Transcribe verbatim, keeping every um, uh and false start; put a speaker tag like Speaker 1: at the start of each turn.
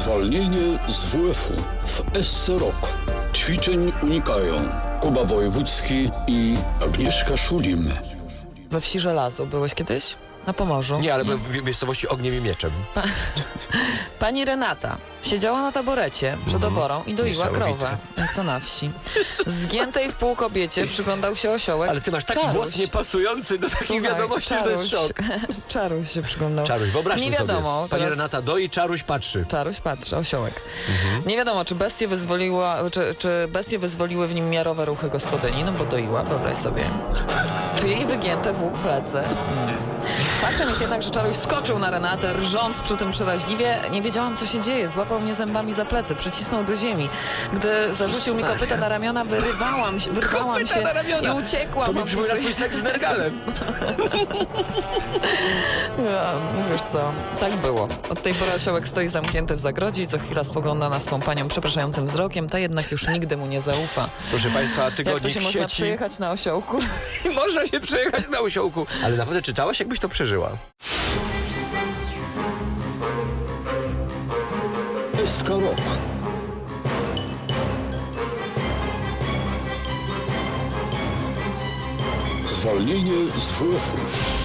Speaker 1: Zwolnienie z W F-u w S C Rok. Ćwiczeń unikają Kuba Wojewódzki i Agnieszka Szulim.
Speaker 2: We Wsi Żelazo byłeś kiedyś? Na Pomorzu?
Speaker 3: Nie, ale byłem w miejscowości Ogniem i Mieczem.
Speaker 2: Pa Pani Renata siedziała na taborecie przed
Speaker 3: Mhm.
Speaker 2: oborą i doiła
Speaker 3: Niesamowite.
Speaker 2: krowę, jak to na wsi. Zgiętej w pół kobiecie przyglądał się osiołek.
Speaker 3: Ale ty masz taki
Speaker 2: Czaruś.
Speaker 3: głos niepasujący do takich
Speaker 2: Słuchaj,
Speaker 3: wiadomości, że to jest
Speaker 2: Czaruś.
Speaker 3: szok.
Speaker 2: Czaruś się przyglądał.
Speaker 3: Czaruś, wyobraźmy
Speaker 2: Nie wiadomo.
Speaker 3: sobie. Pani
Speaker 2: teraz-
Speaker 3: Renata doi, Czaruś patrzy.
Speaker 2: Czaruś patrzy, osiołek.
Speaker 3: Mhm.
Speaker 2: Nie wiadomo, czy bestie wyzwoliła, czy, czy bestie wyzwoliły w nim miarowe ruchy gospodyni, no bo doiła, wyobraź sobie. Czy jej wygięte włók plecy? Hmm. Faktem jest jednak, że Czaruś skoczył na Renatę, rżąc przy tym przeraźliwie. Nie wiedziałam, co się dzieje. Złapał mnie zębami za plecy, przycisnął do ziemi. Gdy zarzucił mi kopyta na ramiona, wyrywałam się, wyrwałam
Speaker 3: Kopyta
Speaker 2: się
Speaker 3: na ramiona.
Speaker 2: i uciekłam.
Speaker 3: To mi
Speaker 2: a
Speaker 3: przypomina
Speaker 2: później-
Speaker 3: twój seks z Nergalem.
Speaker 2: No, wiesz co, tak było. Od tej pory osiołek stoi zamknięty w zagrodzie i co chwila spogląda na swą panią przepraszającym wzrokiem, ta jednak już nigdy mu nie zaufa.
Speaker 3: Proszę Państwa,
Speaker 2: Jak to
Speaker 3: tygodnik
Speaker 2: się można
Speaker 3: sieci.
Speaker 2: przejechać na osiołku?
Speaker 3: Można się przejechać na osiołku. Ale naprawdę czytałaś, jakbyś to przeżyła.
Speaker 1: S K Rok. Zwolnienie z W F-u.